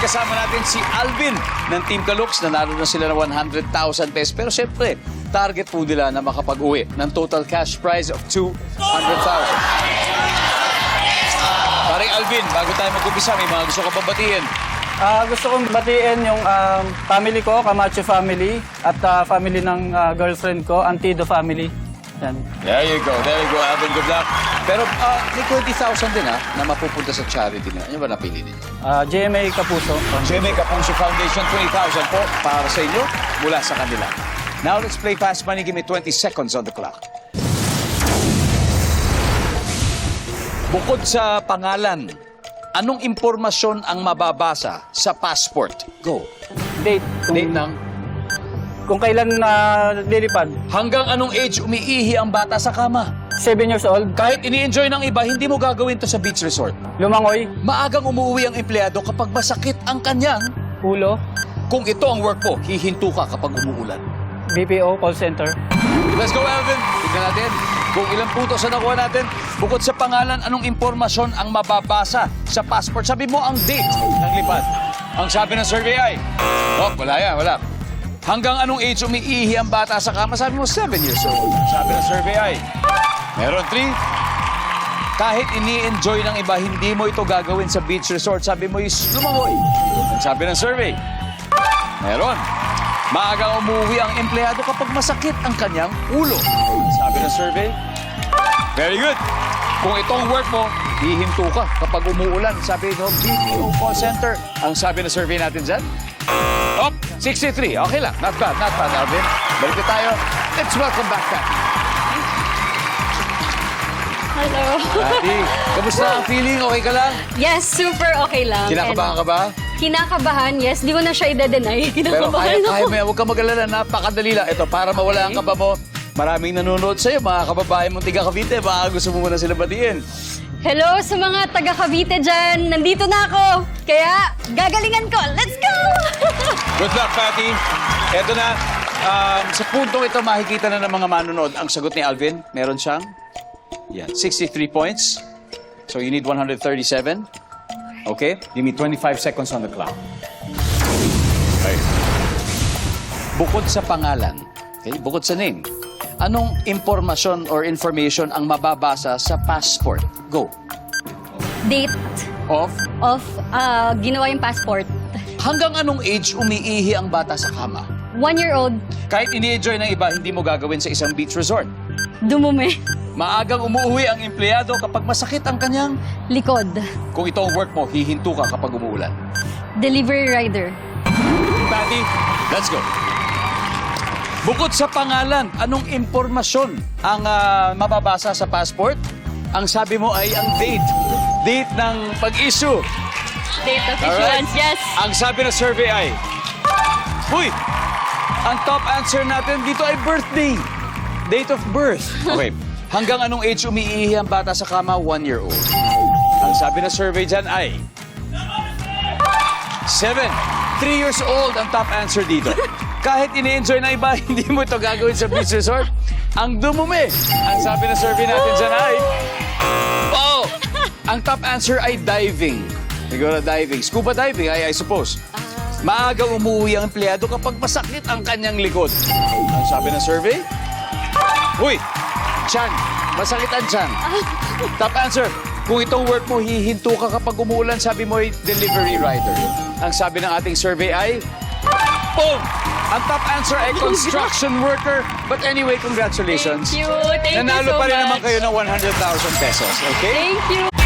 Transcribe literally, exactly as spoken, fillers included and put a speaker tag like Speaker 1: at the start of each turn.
Speaker 1: kasama natin si Alvin ng Team Kalooks. Nanalo na sila ng one hundred thousand pesos. Pero siyempre, target po nila na makapag-uwi ng total cash prize of two hundred thousand. Paring Alvin, bago tayo mag-umpisa, may mga gusto ka babatiin.
Speaker 2: Ah, gusto kong batiin yung um, family ko, Camacho family, at ah, family ng ah, girlfriend ko, Antido family. Yan.
Speaker 1: There you go, there you go, Alvin. Good luck. Pero ah, may twenty thousand din ha, na mapupunta sa charity nila. Ano ba napili ninyo?
Speaker 2: Ah, J M A Kapuso.
Speaker 1: J M A Kapuso Foundation, twenty thousand po para sa inyo mula sa kanila. Now let's play Fast Money. Give me twenty seconds on the clock. Bukod sa pangalan, anong impormasyon ang mababasa sa passport? Go.
Speaker 2: Date. Kung,
Speaker 1: Date ng
Speaker 2: kung kailan na lilipad.
Speaker 1: hanggang anong age umiihi ang bata sa kama?
Speaker 2: Seven years old.
Speaker 1: Kahit ini-enjoy ng iba, hindi mo gagawin to sa beach resort.
Speaker 2: Lumangoy.
Speaker 1: Maagang umuwi ang empleyado kapag masakit ang kanyang.
Speaker 2: Ulo.
Speaker 1: Kung ito ang work mo, hihinto ka kapag umuulan.
Speaker 2: B P O call center.
Speaker 1: Let's go, Alvin. Tignan natin kung ilang puntos na nakuha natin. Bukod sa pangalan, anong impormasyon ang mababasa sa passport? Sabi mo ang date ng lipad. Ang sabi ng survey ay, oh, wala yan, wala. Hanggang anong age umiihi ang bata sa kama? Sabi mo, seven years old. Ang sabi ng survey ay, meron three. Kahit ini-enjoy ng iba, hindi mo ito gagawin sa beach resort. Sabi mo is lumangoy. Ang sabi ng survey, meron. Maagang umuwi ang empleyado kapag masakit ang kanyang ulo. Sabi ng survey. Very good. Kung itong work mo, hihinto ka kapag umuulan. Sabi no, B P O call center. Ang sabi ng survey natin dyan. Oh, sixty-three. Okay lang. Not bad, not bad, Alvin. Balik na tayo. Let's welcome back, Patty.
Speaker 3: Hello.
Speaker 1: Patty, kamusta ang feeling? Okay ka lang?
Speaker 3: Yes, super okay lang.
Speaker 1: Kinakabahan ka ba?
Speaker 3: And, kinakabahan, yes. Di ko na siya i-deny.
Speaker 1: Pero
Speaker 3: Kinakabahan
Speaker 1: kaya,
Speaker 3: ako.
Speaker 1: kaya mo yan. Huwag ka mag-alala. Napakadali lang. Ito, para mawala ang kaba mo, maraming nanonood sa'yo. Mga kababae mong tiga Cavite. Baka gusto mo muna sila batiin.
Speaker 3: Hello sa mga taga Cavite dyan. Nandito na ako. Kaya, gagalingan ko. Let's go!
Speaker 1: Good luck, Patty. Eto na. Um, sa puntong ito, makikita na ng mga manonood. Ang sagot ni Alvin, meron siyang yan, sixty-three points. So you need one hundred thirty-seven. Okay? Give me twenty-five seconds on the clock. Okay. Bukod sa pangalan, okay? Bukod sa name, anong impormasyon or information ang mababasa sa passport? Go.
Speaker 3: Date
Speaker 1: Of?
Speaker 3: of uh, ginawa yung passport.
Speaker 1: Hanggang anong age umiihi ang bata sa kama?
Speaker 3: One-year-old,
Speaker 1: Kahit ini-enjoy ng iba, hindi mo gagawin sa isang beach resort.
Speaker 3: dumumi.
Speaker 1: Maagang umuwi ang empleyado kapag masakit ang kanyang.
Speaker 3: Likod,
Speaker 1: Kung ito ang work mo, hihinto ka kapag umuulan.
Speaker 3: delivery rider.
Speaker 1: Patty, let's go. Bukod sa pangalan, anong impormasyon ang ah, mababasa sa passport? Ang sabi mo ay ang date. Date ng pag-issue.
Speaker 3: Date of
Speaker 1: Alright.
Speaker 3: issuance, yes.
Speaker 1: Ang sabi ng survey ay, Uy! Ang top answer natin dito ay birthday. Date of birth. Okay. Hanggang anong age umiihi ang bata sa kama? One year old. Ang sabi ng survey dyan ay, Seven. Three years old ang top answer dito. Kahit ini-enjoy na iba, hindi mo ito gagawin sa beach resort. Ang dumumi. Ang sabi ng survey natin dyan ay, Oh! Ang top answer ay diving. Siguro diving. Scuba diving, I, I suppose. Maagang umuwi ang empleyado kapag masakit ang kanyang likod. Ang sabi ng survey? Uy! Chan! Masakit ang chan. Top answer. Kung itong work mo, hihinto ka kapag umuulan, sabi mo ay delivery rider. Ang sabi ng ating survey ay, Boom! Ang top answer ay construction worker. But anyway, congratulations.
Speaker 3: Thank you. Thank you
Speaker 1: Nanalo
Speaker 3: so
Speaker 1: pa rin
Speaker 3: much.
Speaker 1: naman kayo ng one hundred thousand pesos. Okay?
Speaker 3: Thank you.